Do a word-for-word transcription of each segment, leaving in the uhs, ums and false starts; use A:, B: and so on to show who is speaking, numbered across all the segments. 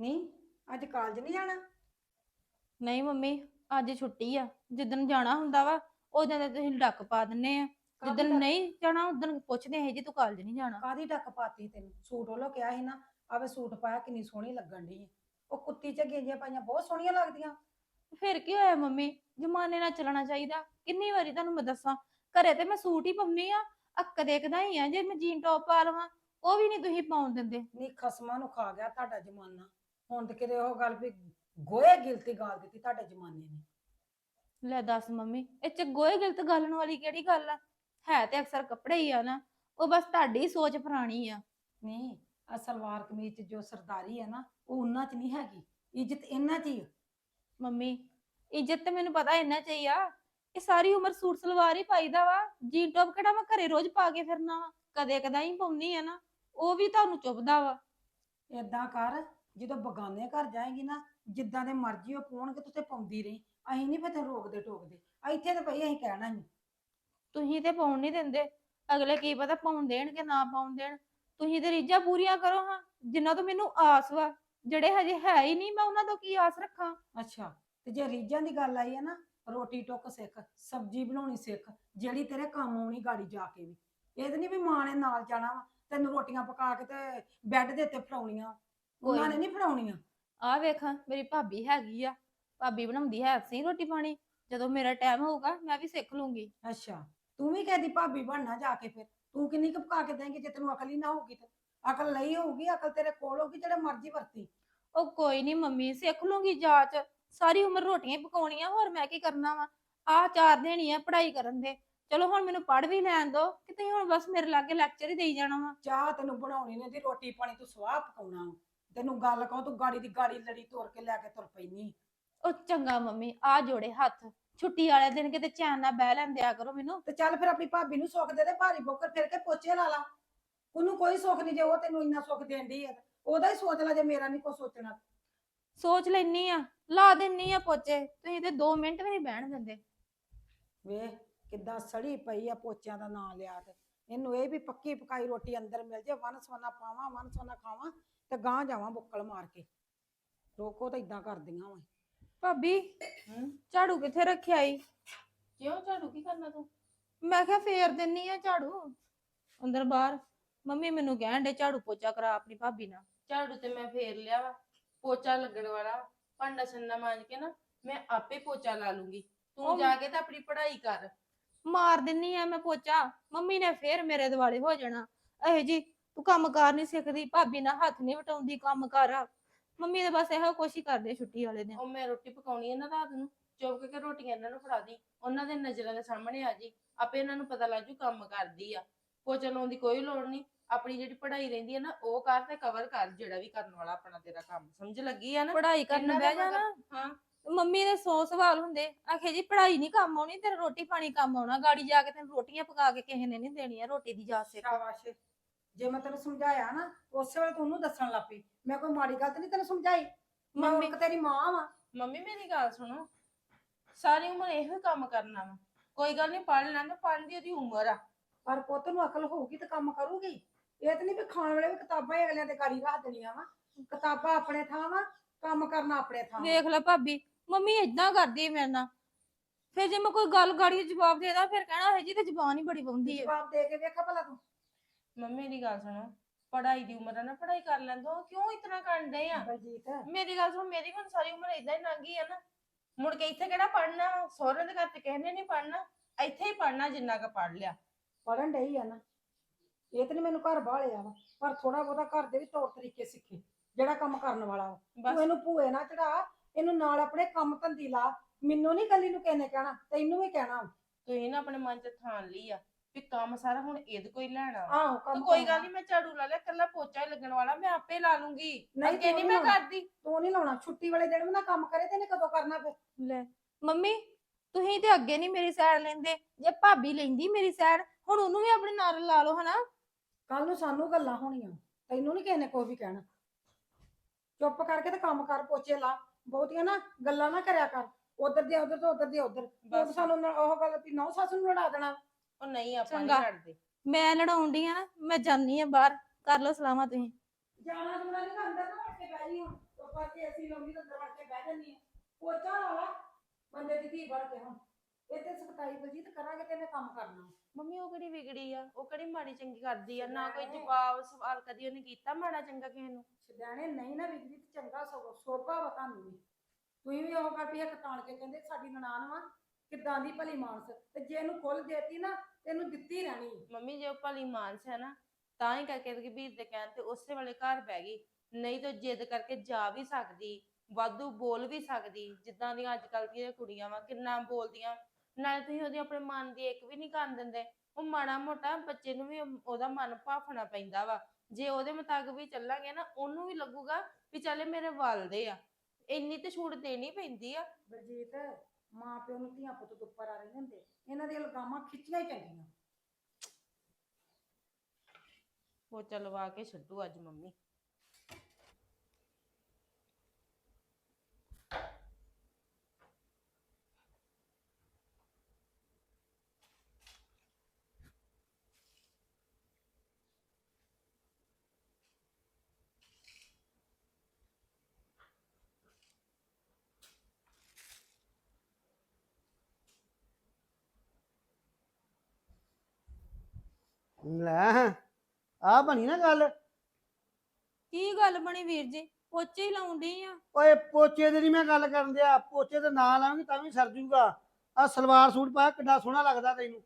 A: ਨਹੀਂ, ਅੱਜ ਕਾਲਜ ਨਹੀਂ ਜਾਣਾ?
B: ਨਹੀਂ ਮੰਮੀ, ਅੱਜ ਛੁੱਟੀ ਆ। ਜਿੱਦਣ ਜਾਣਾ ਹੁੰਦਾ ਵਾ ਉਦੋਂ ਤਾਂ ਤੁਸੀਂ ਡੱਕ ਪਾ ਦਿੰਨੇ ਆ।
A: ਕਾਦੀ
B: ਜਿੱਦਣ
A: ਡੱਕ
B: ਨਹੀਂ ਜਾਣਾ ਉਦੋਂ ਪੁੱਛਦੇ ਹੈ ਜੀ ਤੂੰ ਕਾਲਜ ਨਹੀਂ ਜਾਣਾ।
A: ਕਾਦੀ ਡੱਕ ਪਾਤੀ ਤੈਨੂੰ? ਸੂਟ ਵੱਲੋਂ ਕਿਹਾ ਸੀ ਨਾ, ਆਵੇ ਸੂਟ ਪਾਇਆ ਕਿੰਨੀ ਸੋਹਣੀ ਲੱਗਣ ਦੀ। ਉਹ ਕੁੱਤੀ ਚ ਗੇਂਜੀਆਂ ਪਾਈਆਂ ਬਹੁਤ ਸੋਹਣੀਆਂ ਲੱਗਦੀਆਂ।
B: ਫਿਰ ਕੀ ਹੋਇਆ ਮੰਮੀ, ਜਮਾਨੇ ਨਾਲ ਚੱਲਣਾ ਚਾਹੀਦਾ। ਕਿੰਨੀ ਵਾਰੀ ਤੁਹਾਨੂੰ ਮੈਂ ਦੱਸਾਂ, ਘਰੇ ਤੇ ਮੈਂ ਸੂਟ ਹੀ ਪਾਉਣੀ ਆ। ਅੱਕ ਦੇਖਦਾ ਹੀ ਆ ਜੇ ਮੈਂ ਜੀਨ ਟੌਪ ਪਾ ਲਵਾਂ, ਉਹ ਵੀ ਨਹੀਂ ਤੁਸੀਂ ਪਾਉਣ ਦਿੰਦੇ।
A: ਨੀ ਖਸਮਾਂ ਨੂੰ ਖਾ ਗਿਆ ਤੁਹਾਡਾ ਜ਼ਮਾਨਾ। ਹੁਣ ਤੇ ਕਿਤੇ ਉਹ ਗੱਲ ਵੀ ਗੋਏ ਗਿਲਤੀ ਗਾਲ ਦਿੱਤੀ ਤੁਹਾਡੇ ਜ਼ਮਾਨੇ ਨੇ।
B: ਲੈ ਦੱਸ ਮੰਮੀ, ਇਹ ਚ ਗੋਏ ਗਲਤ ਗਾਲਣ ਵਾਲੀ ਕਿਹੜੀ ਗੱਲ ਆ? ਹੈ ਤੇ ਅਕਸਰ ਕੱਪੜੇ ਹੀ ਆ ਨਾ, ਉਹ ਬਸ ਤੁਹਾਡੀ ਸੋਚ ਪੁਰਾਣੀ ਆ।
A: ਨਹੀਂ, ਆ ਸਲਵਾਰ ਕਮੀਜ਼ ਚ ਜੋ ਸਰਦਾਰੀ ਹੈ ਨਾ, ਉਹ ਉਹਨਾਂ ਚ ਨਹੀਂ ਹੈਗੀ। ਇੱਜ਼ਤ ਇਹਨਾਂ ਚ ਹੀ ਆ।
B: ਮੰਮੀ, ਇੱਜ਼ਤ ਤੇ ਮੈਨੂੰ ਪਤਾ ਇੰਨਾ ਚਾਹੀਏ ਆ। ਇਹ ਸਾਰੀ ਉਮਰ ਸੂਟ ਸਲਵਾਰ ਹੀ ਪਾਈਦਾ ਵਾ। ਜੀਨ ਟੌਪ ਕਿਹੜਾ ਮੈਂ ਘਰੇ ਰੋਜ਼ ਪਾ ਕੇ ਫਿਰਨਾ ਵਾ? ਕਦੇ ਕਦਾ ਹੀ ਪਾਉਣੀ ਆ ਨਾ, ਉਹ ਵੀ ਤੁਹਾਨੂੰ ਚੁੱਭਦਾ ਵਾ।
A: ਏਦਾਂ ਕਰ, ਜਦੋਂ ਬਗਾਨੇ ਘਰ ਜਾਏਗੀ ਨਾ, ਜਿੱਦਾਂ ਦੇ ਮਰਜ਼ੀ ਉਹ ਪਾਉਣਗੇ ਤੂੰ ਤੇ ਪਾਉਂਦੀ ਰਹੀ। ਅਸੀਂ ਨਹੀਂ ਪਤਾ ਰੋਕਦੇ ਟੋਕਦੇ। ਇੱਥੇ ਤੇ ਭਈ ਅਸੀਂ ਕਹਿਣਾ ਹੀ।
B: ਤੁਸੀਂ ਤੇ ਪਾਉਣ ਨਹੀਂ ਦਿੰਦੇ, ਅਗਲੇ ਕੀ ਪਤਾ ਪਾਉਣ ਦੇਣ ਕਿ ਨਾ ਪਾਉਣ ਦੇਣ। ਤੁਸੀਂ ਤੇ ਰੀਝਾਂ ਪੂਰੀਆਂ ਕਰੋ ਹਾਂ, ਜਿੰਨਾ ਤੋਂ ਮੈਨੂੰ ਆਸ ਵਾ। ਜਿਹੜੇ ਹਜੇ ਹੈ ਹੀ ਨਹੀਂ, ਮੈਂ ਉਹਨਾਂ ਤੋਂ ਕੀ ਆਸ ਰੱਖਾਂ?
A: ਅੱਛਾ, ਤੇ ਜੇ ਰੀਝਾਂ ਦੀ ਗੱਲ ਆਈ ਹੈ ਨਾ, ਰੋਟੀ ਟੁੱਕ ਸਿੱਖ, ਸਬਜ਼ੀ ਬਣਾਉਣੀ ਸਿੱਖ, ਜਿਹੜੀ ਤੇਰੇ ਕੰਮ ਆਉਣੀ ਗਾੜੀ ਜਾ ਕੇ ਵੀ। ਇਹ ਤਾਂ ਨਹੀਂ ਵੀ ਮਾਂ ਨੇ ਨਾਲ ਜਾਣਾ ਵਾ ਤੈਨੂੰ ਰੋਟੀਆਂ ਪਕਾ ਕੇ ਤੇ ਬੈੱਡ ਦੇ ਉੱਤੇ ਫੜਾਉਣੀਆਂ। ਉਹਨਾਂ ਨੇ ਨਹੀਂ ਫੜਾਉਣੀਆਂ।
B: ਆਹ ਵੇਖ, ਮੇਰੀ ਭਾਬੀ ਹੈਗੀ ਆ, ਭਾਬੀ ਬਣਾਉਂਦੀ ਹੈ ਸਹੀ ਰੋਟੀ ਪਾਣੀ। ਜਦੋਂ ਮੇਰਾ ਟਾਈਮ ਹੋਊਗਾ ਮੈਂ ਵੀ ਸਿੱਖ ਲੂੰਗੀ।
A: ਅੱਛਾ, ਤੂੰ ਵੀ ਕਹਦੀ ਭਾਬੀ ਬਣਨਾ ਜਾ ਕੇ। ਫਿਰ ਤੂੰ ਕਿੰਨੀ ਕੁ ਪਕਾ ਕੇ ਦੇਂਗੀ ਜੇ ਤੈਨੂੰ ਅਕਲ ਹੀ ਨਾ ਹੋਊਗੀ? ਤੇ ਅਕਲ ਲਈ ਹੋਊਗੀ, ਅਕਲ ਤੇਰੇ ਕੋਲ ਹੋਊਗੀ, ਜਿਹੜੇ ਮਰਜ਼ੀ ਵਰਤੀ।
B: ਉਹ ਕੋਈ ਨਹੀਂ ਮੰਮੀ, ਸਿੱਖ ਲੂੰਗੀ ਜਾਚ। ਸਾਰੀ ਉਮਰ ਰੋਟੀਆਂ ਹੀ ਪਕਾਉਣੀਆਂ, ਹੋਰ ਮੈਂ ਕੀ ਕਰਨਾ ਵਾ? ਆਹ ਚਾਰ ਦਿਨ ਹੀ ਆ ਪੜ੍ਹਾਈ ਕਰਨ ਦੇ। ਚਲੋ ਹੁਣ ਮੈਨੂੰ ਪੜ੍ਹ ਵੀ ਲੈਣ ਦੋ, ਕਿ ਤੁਸੀਂ ਹੁਣ ਬਸ ਮੇਰੇ ਲਾਗੇ ਲੈਕਚਰ ਹੀ ਦੇਈ ਜਾਣਾ ਵਾ।
A: ਚਾਹ ਤੈਨੂੰ ਬਣਾਉਣੀ ਨਹੀਂ ਦੀ, ਰੋਟੀ ਪਾਣੀ ਤੂੰ ਸਵਾਹ ਪਕਾਉਣਾ ਵਾ। ਤੈਨੂੰ ਗੱਲ ਕਹੋ ਤੂੰ ਗਾੜੀ ਦੀ ਗਾੜੀ ਲੜੀ ਤੋੜ ਕੇ ਲੈ ਕੇ ਤੁਰ ਪੈਣੀ।
B: ਉਹ ਚੰਗਾ ਮੰਮੀ, ਆ ਜੋੜੇ ਹੱਥ। ਛੁੱਟੀ ਵਾਲੇ ਦਿਨ ਕਿਤੇ ਚੈਨ ਨਾਲ ਬਹਿ ਲੈਂਦਿਆ ਕਰੋ ਮੈਨੂੰ।
A: ਤੇ ਚੱਲ ਫਿਰ ਆਪਣੀ ਭਾਬੀ ਨੂੰ ਸੁੱਖ ਦੇ ਦੇ, ਭਾਰੀ ਬੋਕਰ ਫਿਰ ਕੇ ਪੋਚੇ ਲਾ ਲਾ। ਉਹਨੂੰ ਕੋਈ ਸੁੱਖ ਨਹੀਂ ਜੇ ਉਹ ਤੈਨੂੰ ਇੰਨਾ ਸੁੱਖ ਦੇਂਦੀ ਹੈ। ਉਹਦਾ ਹੀ ਸੋਚ ਲੈ ਜੇ ਮੇਰਾ ਨਹੀਂ ਕੋਈ ਸੋਚਣਾ।
B: ਸੋਚ ਲੈਣੀ ਆ, ਲਾ ਦਿੰਨੀ ਆ ਪੋਚੇ। ਤੁਸੀਂ ਤੇ ਦੋ ਮਿੰਟ ਵੀ ਨਹੀਂ ਬਹਿਣ ਦਿੰਦੇ।
A: ਵੇਖ ਕਿੱਦਾਂ ਸੜੀ ਪਈ ਆ ਪੋਚਿਆਂ ਦਾ ਨਾਂ ਲਿਆ ਤੇ। ਇਹਨੂੰ ਇਹ ਵੀ ਪੱਕੀ ਪਕਾਈ ਰੋਟੀ ਅੰਦਰ ਮਿਲ ਜੇ, ਵਨ ਸਵਨਾ ਪਾਵਾਂ ਵਨ ਸਵਨਾ ਖਾਵਾਂ ਤੇ ਗਾਂ ਜਾਵਾਂ ਬੁੱਕਲ ਮਾਰ ਕੇ। ਰੋਕੋ ਤਾਂ ਇਦਾਂ ਕਰਦੀਆਂ ਵਾ।
B: ਭਾਬੀ,
A: ਹੂੰ,
B: ਝਾੜੂ ਕਿੱਥੇ ਰੱਖਿਆ ਈ?
A: ਕਿਉਂ ਝਾੜੂ ਕੀ ਕਰਨਾ ਤੂੰ?
B: ਮੈਂ ਕਿਹਾ ਫੇਰ ਦਿੰਨੀ ਆ ਝਾੜੂ ਅੰਦਰ ਬਾਹਰ। ਮੰਮੀ ਮੈਨੂੰ ਕਹਿਣ ਦੇ ਝਾੜੂ ਪੋਚਾ ਕਰਾ ਆਪਣੀ ਭਾਬੀ ਨਾਲ।
C: ਝਾੜੂ ਤੇ ਮੈਂ ਫੇਰ ਲਿਆ ਵਾ, ਪੋਚਾ ਲੱਗਣ ਵਾਲਾ। ਭਾਂਡਾ ਛੰਨਾ ਮਾਂਜ ਕੇ ਨਾ ਮੈਂ ਆਪੇ ਪੋਚਾ ਲਾ ਲੂੰਗੀ। ਤੂੰ
B: ਉਹ
C: ਜਾ ਕੇ ਤਾਂ ਆਪਣੀ ਪੜ੍ਹਾਈ ਕਰ।
B: ਮਾਰ ਦਿੰਨੀ ਆ ਮੈਂ ਪੋਚਾ, ਮੰਮੀ ਨੇ ਫੇਰ ਮੇਰੇ ਦੁਆਲੇ ਹੋ ਜਾਣਾ। ਇਹ ਜੀ ਤੂੰ ਕੰਮ ਕਾਰ ਨਹੀਂ ਸਿੱਖਦੀ, ਭਾਬੀ ਨਾਲ ਹੱਥ ਨਹੀਂ ਵਟਾਉਂਦੀ, ਕੰਮ ਕਰ। ਮੰਮੀ ਤਾਂ ਬਸ ਇਹੋ ਕੁਛ ਹੀ ਕਰਦੇ ਛੁੱਟੀ ਵਾਲੇ ਦਿਨ।
C: ਉਹ ਮੈਂ ਰੋਟੀ ਪਕਾਉਣੀ ਹੈ ਨਾ ਰਾਤ ਨੂੰ, ਚੁੱਕ ਕੇ ਰੋਟੀਆਂ ਇਹਨਾਂ ਨੂੰ ਫੜਾ ਦੀ। ਉਹਨਾਂ ਦੇ ਨਜ਼ਰਾਂ ਦੇ ਸਾਹਮਣੇ ਆ ਜੀ, ਆਪੇ ਇਹਨਾਂ ਨੂੰ ਪਤਾ ਲੱਗ ਜੂ ਕੰਮ ਕਰਦੀ ਆ। ਪੋਚਾ ਲਾਉਣ ਦੀ ਕੋਈ ਲੋੜ ਨਹੀਂ। ਆਪਣੀ ਜਿਹੜੀ ਪੜ੍ਹਾਈ ਰਹਿੰਦੀ ਹੈ ਨਾ ਉਹ ਕਰ ਤੇ ਕਵਰ ਕਰ, ਜਿਹੜਾ ਵੀ ਕਰਨ ਵਾਲਾ ਆਪਣਾ ਤੇਰਾ ਕੰਮ। ਸਮਝ ਲੱਗੀ ਆ ਨਾ?
B: ਪੜ੍ਹਾਈ ਕਰਨ
C: ਇਹਨਾਂ
B: ਬਹਿ
C: ਦਾ
B: ਜਾਣਾ।
C: ਹਾਂ,
B: ਮੰਮੀ ਦੇ ਸੌ ਸਵਾਲ ਹੁੰਦੇ, ਆਖੇ ਜੀ ਪੜ੍ਹਾਈ ਨਹੀਂ ਕੰਮ ਆਉਣੀ, ਤੇਰਾ ਰੋਟੀ ਪਾਣੀ ਕੰਮ ਆਉਣਾ। ਗਾੜੀ ਜਾ ਕੇ ਤੈਨੂੰ ਰੋਟੀਆਂ ਪਕਾ ਕੇ ਕਿਸੇ ਨੇ ਨਹੀਂ ਦੇਣੀਆਂ, ਰੋਟੀ ਦੀ ਜਾਚ ਸਿੱਖ।
A: ਸ਼ਾਬਾਸ਼। ਜੇ ਮੈਂ ਤੈਨੂੰ ਸਮਝਾਇਆ ਨਾ ਉਸੇ ਵੇਲੇ ਤੂੰ ਉਹਨੂੰ ਦੱਸਣ ਲੱਗ ਪਈ। ਮੈਂ ਕੋਈ ਮਾੜੀ ਗੱਲ ਤੇ ਨਹੀਂ ਤੈਨੂੰ ਸਮਝਾਈ। ਮੈਂ
B: ਮੰਮੀ
A: ਹੁਣ ਤੇਰੀ ਮਾਂ ਵਾਂ।
C: ਮੰਮੀ ਮੇਰੀ ਗੱਲ ਸੁਣੋ, ਸਾਰੀ ਉਮਰ ਇਹੋ ਹੀ ਕੰਮ ਕਰਨਾ ਵਾ। ਕੋਈ ਗੱਲ ਨਹੀਂ, ਪੜ੍ਹ ਲੈਣ, ਪੜ੍ਹਨ ਦੀ ਉਹਦੀ ਉਮਰ ਆ।
A: ਪਰ ਪੁੱਤ ਨੂੰ ਅਕਲ ਹੋਊਗੀ ਤਾਂ ਕੰਮ ਕਰੂਗੀ। ਇਹ ਤਾਂ ਨਹੀਂ ਵੀ ਖਾਣ ਵੇਲੇ ਵੀ ਕਿਤਾਬਾਂ ਹੀ ਅਗਲਿਆਂ ਦੇ ਗਾੜੀ ਰੱਖ ਦੇਣੀਆਂ ਵਾ। ਕਿਤਾਬਾਂ ਆਪਣੇ ਥਾਂ ਵਾ, ਕੰਮ ਕਰਨਾ ਆਪਣੇ ਥਾਂ ਵਾ।
B: ਵੇਖ ਲੈ ਭਾਬੀ, ਮੰਮੀ ਏਦਾਂ ਕਰਦੀ ਮੇਰੇ ਨਾਲ। ਫਿਰ ਜੇ ਮੈਂ ਕੋਈ ਗੱਲ ਗਾੜੀ ਜਵਾਬ ਦੇਦਾ, ਫਿਰ ਕਹਿਣਾ ਹੈ ਜੀ ਤੇ ਜ਼ਬਾਨ ਹੀ ਬੜੀ ਪਾਉਂਦੀ ਹੈ।
A: ਜਵਾਬ ਦੇ ਕੇ ਵੇਖਾ ਭਲਾ ਤੂੰ।
C: ਮੰਮੀ ਦੀ ਗੱਲ ਸੁਣੋ, ਪੜ੍ਹਾਈ ਦੀ ਉਮਰ ਆ ਨਾ, ਪੜ੍ਹਾਈ ਕਰ ਲੈਂਦੋ। ਕਿਉਂ ਇਤਨਾ ਕਰਦੇ ਆ?
A: ਬਲਜੀਤ,
C: ਮੇਰੀ ਗੱਲ ਸੁਣ, ਮੇਰੀ ਹੁਣ ਸਾਰੀ ਉਮਰ ਏਦਾਂ ਹੀ ਲੰਘ ਗਈ ਆ ਨਾ। ਮੁੜ ਕੇ ਇੱਥੇ ਕਿਹੜਾ ਪੜ੍ਹਨਾ? ਸਹੁਰੇ ਦੇ ਘਰ ਤੇ ਕਿਸੇ ਨੇ ਨਹੀਂ ਪੜ੍ਹਨਾ। ਇੱਥੇ ਹੀ ਪੜ੍ਹਨਾ ਜਿੰਨਾ ਕੁ ਪੜ੍ਹ ਲਿਆ।
A: ਪੜਨ ਡਈ ਆ ਨਾ। ਇਹ ਤਾਂ ਨਹੀਂ ਮੈਨੂੰ ਘਰ ਬਾਹਲਿਆ ਵਾ, ਪਰ ਥੋੜਾ ਬਹੁਤਾ ਘਰ ਦੇ ਵੀ ਤੌਰ ਤਰੀਕੇ ਸਿੱਖੇ, ਜਿਹੜਾ ਕੰਮ ਕਰਨ ਵਾਲਾ ਵਾ।
C: ਬਸ
A: ਤੂੰ ਇਹਨੂੰ ਭੂਏ ਨਾ ਚੜਾ, ਇਹਨੂੰ ਨਾਲ ਆਪਣੇ ਕੰਮ ਧੰਦੀ ਲਾ। ਮੈਨੂੰ ਨਹੀਂ ਕੱਲੀ ਨੂੰ ਕਿਸੇ ਨੇ ਕਹਿਣਾ, ਤੈਨੂੰ ਵੀ ਕਹਿਣਾ।
C: ਤੁਸੀਂ ਨਾ ਆਪਣੇ ਮਨ ਚ ਥਾਨ ਲਈ ਆ ਵੀ ਕੰਮ ਸਾਰਾ ਹੁਣ ਇਹਦੇ ਕੋਈ ਲੈਣਾ।
A: ਆਹੋ,
C: ਤੇ
A: ਕੰਮ
C: ਕੋਈ ਗੱਲ ਨਹੀਂ, ਮੈਂ ਝਾੜੂ ਲਾ ਲਿਆ, ਕੱਲਾ ਪੋਚਾ ਹੀ ਲੱਗਣ ਵਾਲਾ, ਮੈਂ ਆਪੇ ਲਾ ਲੂੰਗੀ।
A: ਨਹੀਂ,
C: ਅੱਗੇ
A: ਤੂੰ
C: ਨਹੀਂ
A: ਨੀ
C: ਮੈਂ
A: ਲਾਉਣਾ।
C: ਕਰਦੀ।
A: ਤੂੰ ਨਹੀਂ ਲਾਉਣਾ। ਛੁੱਟੀ ਵਾਲੇ ਦਿਨ ਵੀ ਨਾ ਕੰਮ ਕਰੇ ਤੇ ਇਹਨੇ ਕਦੋਂ ਕਰਨਾ ਫਿਰ?
B: ਲੈ ਮੰਮੀ, ਤੁਸੀਂ ਤੇ ਅੱਗੇ ਨਹੀਂ ਮੇਰੀ ਸਾਈਡ ਲੈਂਦੇ। ਜੇ ਭਾਬੀ ਲੈਂਦੀ ਮੇਰੀ ਸਾਈਡ, ਹੁਣ ਉਹਨੂੰ ਵੀ ਆਪਣੇ ਨਾਲ ਲਾ ਲਓ ਹਨਾ।
A: ਕੱਲ ਨੂੰ ਸਾਨੂੰ ਗੱਲਾਂ ਹੋਣੀਆਂ, ਤੈਨੂੰ ਨਹੀਂ ਕਿਸੇ ਨੇ ਕੋਈ ਵੀ ਕਹਿਣਾ। ਚੁੱਪ ਕਰਕੇ ਤੇ ਕੰਮ ਕਰ, ਪੋਚੇ ਲਾ। ਬਹੁਤੀਆਂ ਨਾ ਗੱਲਾਂ ਨਾ ਕਰਿਆ ਕਰ, ਉਧਰ ਦੇ ਉਧਰ ਤੋਂ ਉਧਰ ਦੇ ਉਧਰ।
C: ਬਸ
A: ਸਾਨੂੰ ਨਾ ਉਹ ਗੱਲ ਵੀ ਨੌ ਸੱਸ ਨੂੰ ਲੜਾ ਦੇਣਾ।
C: ਉਹ ਨਹੀਂ, ਆਪਾਂ
B: ਚੰਗਾ।
C: ਨਹੀਂ ਲੜਦੇ।
B: ਮੈਂ ਲੜਾਉਂਦੀ ਆ ਨਾ, ਮੈਂ ਜਾਨੀ ਆ ਬਾਹਰ। ਕਰ ਲਓ ਸਲਾਮਾਂ ਤੁਸੀਂ।
A: ਜਾਣਾ ਜੁਣਾ ਨਹੀਂ ਅੰਦਰ ਨਾ ਵੜ ਕੇ ਬਹਿ ਜੀ ਹੁਣ ਉੱਪਰ ਤੇ ਅਸੀਂ ਲਾਉਂਦੀ ਤਾਂ ਅੰਦਰ ਵੜ ਕੇ ਬਹਿ ਜਾਂਦੀ ਆ ਪੋਚਾ ਲਾ ਲਾ ਬੰਦੇ ਦੀ ਧੀ ਬਣ ਕੇ ਹੁਣ ਇਹ ਤੇ ਸਖਤਾਈ ਬਲਜੀਤ ਕਰਾਂਗੇ ਤੇ ਇਹਨੇ ਕੰਮ ਕਰਨਾ
C: ਮੰਮੀ ਉਹ ਕਿਹੜੀ ਵਿਗੜੀ ਆ, ਉਹ ਕਿਹੜੀ ਮਾੜੀ ਚੰਗੀ ਕਰਦੀ ਆ, ਨਾ ਕੋਈ ਜਵਾਬ ਸਵਾਲ ਕਦੀ ਉਹਨੇ ਕੀਤਾ ਮਾੜਾ ਚੰਗਾ ਕਿਸੇ ਨੂੰ।
A: ਛਡਾਣੇ ਨਹੀਂ ਨਾ ਵਿਗੜੀ ਤੇ ਚੰਗਾ ਸਗੋਂ ਸੋਭਾ ਵਾ ਤੁਹਾਨੂੰ ਵੀ ਤੁਸੀਂ ਵੀ ਉਹ ਕਰ ਵੀ ਇੱਕ ਤਾਣ ਕੇ ਕਹਿੰਦੇ ਸਾਡੀ ਨਨਾਣ ਵਾ ਕਿੱਦਾਂ ਦੀ ਭਲੀ ਮਾਨਸ ਤੇ ਜੇ ਇਹਨੂੰ ਖੁੱਲ ਦੇਤੀ ਨਾ ਤੇ ਇਹਨੂੰ ਦਿੱਤੀ ਰਹਿਣੀ
C: ਮੰਮੀ ਜੇ ਉਹ ਭਲੀ ਮਾਨਸ ਹੈ ਨਾ ਤਾਂ ਹੀ ਕਰਕੇ ਤੇ ਵੀਰ ਦੇ ਕਹਿਣ ਤੇ ਉਸੇ ਵੇਲੇ ਘਰ ਬਹਿ ਗਈ, ਨਹੀਂ ਤਾਂ ਜਿੱਦ ਕਰਕੇ ਜਾ ਵੀ ਸਕਦੀ, ਵਾਧੂ ਬੋਲ ਵੀ ਸਕਦੀ, ਜਿੱਦਾਂ ਦੀਆਂ ਅੱਜ ਕੱਲ੍ਹ ਦੀਆਂ ਕੁੜੀਆਂ ਵਾ ਕਿੰਨਾ ਬੋਲਦੀਆਂ। ਨਾਲੇ ਤੁਸੀਂ ਉਹਦੀ ਆਪਣੇ ਮਨ ਦੀ ਇੱਕ ਵੀ ਨਹੀਂ ਕਰਨ ਦਿੰਦੇ। ਉਹ ਮਾੜਾ ਮੋਟਾ ਬੱਚੇ ਨੂੰ ਵੀ ਉਹਦਾ ਮਨ ਭਾਫਣਾ ਪੈਂਦਾ ਵਾ, ਜੇ ਉਹਦੇ ਮੁਤਾਬਕ ਵੀ ਚੱਲਾਂਗੇ ਨਾ ਉਹਨੂੰ ਵੀ ਲੱਗੂਗਾ ਵੀ ਚੱਲ ਮੇਰੇ ਵੱਲਦੇ ਆ, ਇੰਨੀ ਤੇ ਛੂਟ ਦੇਣੀ ਪੈਂਦੀ ਆ।
A: ਬਲਜੀਤ ਮਾਂ ਪਿਓ ਨੂੰ ਧੀਆਂ ਪੁੱਤ ਤੋਂ ਉੱਪਰ ਆ ਰਹੇ ਹੁੰਦੇ, ਇਹਨਾਂ ਦੀਆਂ ਲਗਾਮਾਂ ਖਿੱਚੀਆਂ ਹੀ ਚੰਗੀਆਂ।
C: ਉਹ ਚਲਵਾ ਕੇ ਛੱਡੂ ਅੱਜ ਮੰਮੀ।
D: ਲੈ ਆ ਬਣੀ ਨਾ ਗੱਲ।
B: ਕੀ ਗੱਲ ਬਣੀ ਵੀਰ ਜੀ? ਪੋਚੇ ਹੀ ਲਾਉਣ ਡਈ ਆ।
D: ਓਏ ਪੋਚੇ ਦੀ ਨੀ ਮੈਂ ਗੱਲ ਕਰਨ ਦਿਆ, ਪੋਚੇ ਤੇ ਨਾਂ ਲਾਵਾਂਗੀ ਤਾਂ ਵੀ ਸਰ ਜੂਗਾ। ਆ ਸਲਵਾਰ ਸੂਟ ਪਾਇਆ ਕਿੱਡਾ ਸੋਹਣਾ ਲੱਗਦਾ ਤੈਨੂੰ।